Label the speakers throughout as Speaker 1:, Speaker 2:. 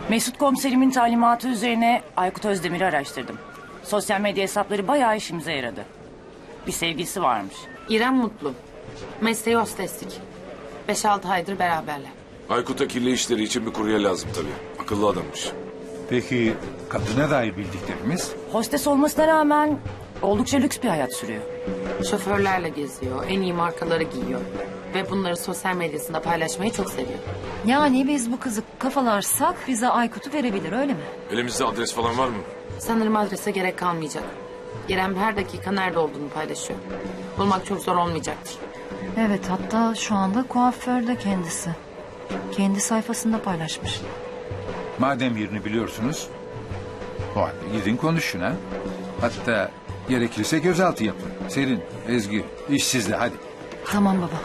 Speaker 1: Mesut komiserimin talimatı üzerine Aykut Özdemir'i araştırdım. Sosyal medya hesapları bayağı işimize yaradı. Bir sevgilisi varmış.
Speaker 2: İrem Mutlu. Mesleği hosteslik. 5-6 aydır beraberler.
Speaker 3: Aykut'a kirli işleri için bir kurye lazım tabii. Akıllı adammış.
Speaker 4: Peki kadına dair bildiklerimiz?
Speaker 1: Hostes olmasına rağmen oldukça lüks bir hayat sürüyor.
Speaker 2: Şoförlerle geziyor, en iyi markaları giyiyor. Ve bunları sosyal medyasında paylaşmayı çok seviyor.
Speaker 5: Yani biz bu kızı kafalarsak bize Aykut'u verebilir, öyle mi?
Speaker 3: Elimizde adres falan var mı?
Speaker 2: Sanırım adrese gerek kalmayacak. İrem her dakika nerede olduğunu paylaşıyor. Bulmak çok zor olmayacaktır.
Speaker 5: Evet, hatta şu anda kuaförde kendisi. Kendi sayfasında paylaşmış.
Speaker 4: Madem yerini biliyorsunuz, o halde gidin konuşun ha. Hatta gerekirse gözaltı yapın. Selin, Ezgi, iş sizde hadi.
Speaker 5: Tamam baba.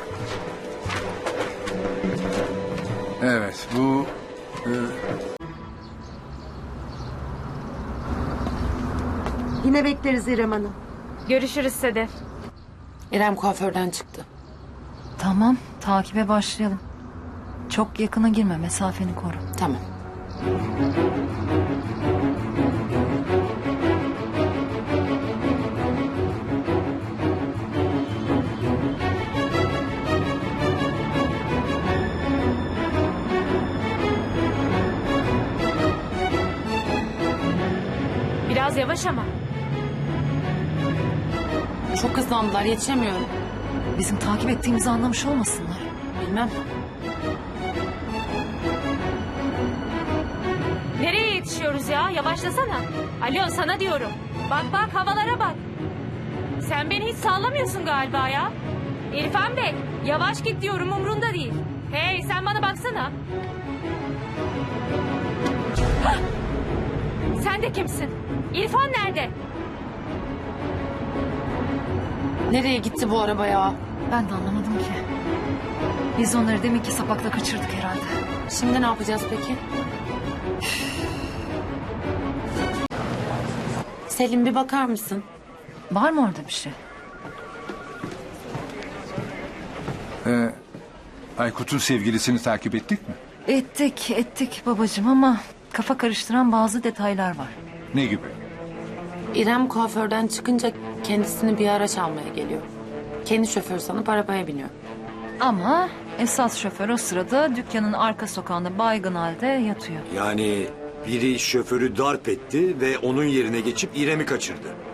Speaker 4: Evet bu...
Speaker 6: Yine bekleriz İrem Hanım.
Speaker 7: Görüşürüz Sedef.
Speaker 2: İrem kuaförden çıktı.
Speaker 5: Tamam, takibe başlayalım. Çok yakına girme, mesafeni koru.
Speaker 2: Tamam.
Speaker 7: Biraz yavaş ama.
Speaker 2: Çok hızlandılar, yetişemiyorum.
Speaker 5: Bizim takip ettiğimizi anlamış olmasınlar.
Speaker 2: Bilmem.
Speaker 7: Nereye yetişiyoruz ya? Yavaşlasana. Alo, sana diyorum. Bak bak, havalara bak. Sen beni hiç sallamıyorsun galiba ya. İrfan Bey, yavaş git diyorum, umrunda değil. Hey, sen bana baksana. Hah! Sen de kimsin? İrfan nerede?
Speaker 2: Nereye gitti bu araba ya?
Speaker 5: Ben de anlamadım ki. Biz onları deminki sapakla kaçırdık herhalde.
Speaker 2: Şimdi ne yapacağız peki? Selim, bir bakar mısın?
Speaker 5: Var mı orada bir şey?
Speaker 4: Aykut'un sevgilisini takip ettik mi?
Speaker 5: Ettik babacığım ama kafa karıştıran bazı detaylar var.
Speaker 4: Ne gibi?
Speaker 2: İrem kuaförden çıkınca kendisini bir araç almaya geliyor. Kendi şoför sanıp arabaya biniyor.
Speaker 5: Ama esas şoför o sırada dükkanın arka sokağında baygın halde yatıyor.
Speaker 8: Yani biri şoförü darp etti ve onun yerine geçip İrem'i kaçırdı.